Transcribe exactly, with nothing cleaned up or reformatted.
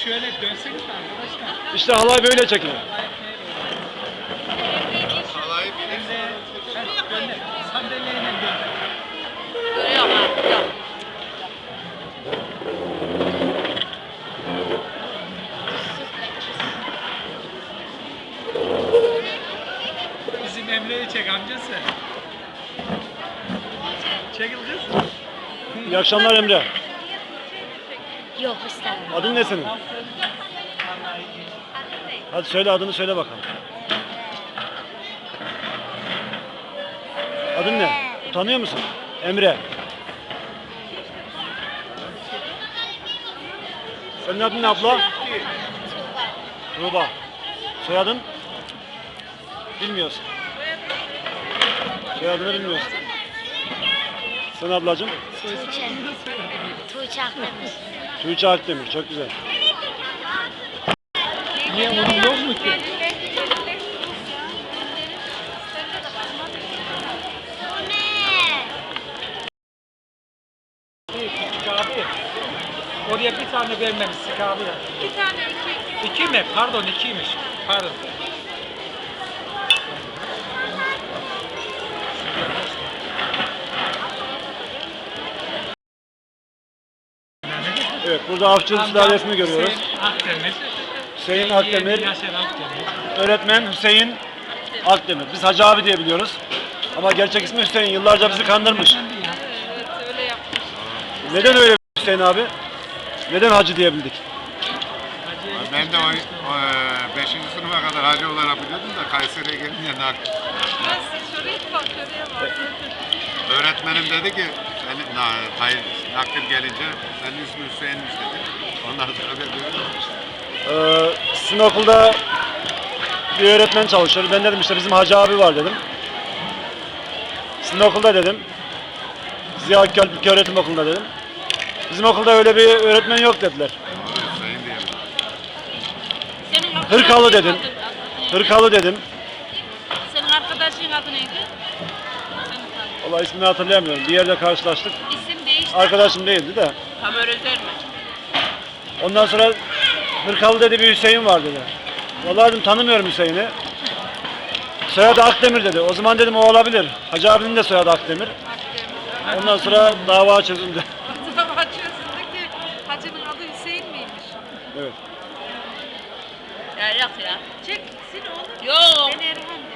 şöyle dönseniz arkadaşlar. İşte halay böyle çekilir. Halayı bilirsin. Gönder. Sandalyeyle gönder. Görüyorum abi. Yok. Bizim Emre'yi çek amcası. Çekil kız. İyi akşamlar Emre. Yok istemem. Adın ne senin? Hadi söyle adını söyle bakalım. Adın ne? Tanıyor musun? Emre. Senin adın ne abla? Tuğba. Soyadın? Bilmiyorsun. Soyadını bilmiyorsun. Sen ablacığım? Tuğçe. Tuğçe Akdemir. Tuğçe Akdemir. Çok güzel. Niye onun yok mu ki? Küçük abi. Oraya bir tane vermemişsin abi ya. İki tane iki. İki mi? Pardon ikiymiş. Pardon. Evet, burada Avcı Sülalesi'ni görüyoruz. Hüseyin Akdemir. Hüseyin Akdemir, Yaşar Akdemir. öğretmen Hüseyin Akdemir. Biz Hacı abi diye biliyoruz. Ama gerçek ismi Hüseyin. Yıllarca bizi kandırmış. Evet öyle yapmış. Neden öyle Hüseyin abi? Neden Hacı diyebildik? Ben de o, o beşinci sınıfa kadar hacı olarak biliyordum da Kayseri'ye gelince nak. Nasıl şuraya bak şuraya bak. Öğretmenim dedi ki, senin, na, hayır, nakil gelince senin ismin Hüseyin'miş dedi. Ondan sonra ben de öyle olmuştum. Ee, sizin okulda bir öğretmen çalışıyor. Ben dedim işte bizim Hacı abi var dedim. Sizin okulda dedim. Ziya Akgül Öğretim Okulu'nda dedim. Bizim okulda öyle bir öğretmen yok dediler. Doğru Hüseyin diye biliyorum. Senin Hırkalı arkadaşın dedim. adı- Hırkalı dedim. Senin arkadaşın adı neydi? Senin adı. Vallahi ismini hatırlayamıyorum. Bir yerde karşılaştık. İsim değişti. Arkadaşım değildi de. Tam öyle mi? Ondan sonra Hırkalı dedi bir Hüseyin var dedi. Vallahi dedim tanımıyorum Hüseyin'i. Soyadı Akdemir dedi. O zaman dedim o olabilir. Hacı abinin de soyadı Akdemir. Ondan sonra dava çözüldü. Dava açıyorsun ki hacının adı Hüseyin miymiş? Evet. Ya yok ya. Çek sil oğlum. Yok. Ben Erhan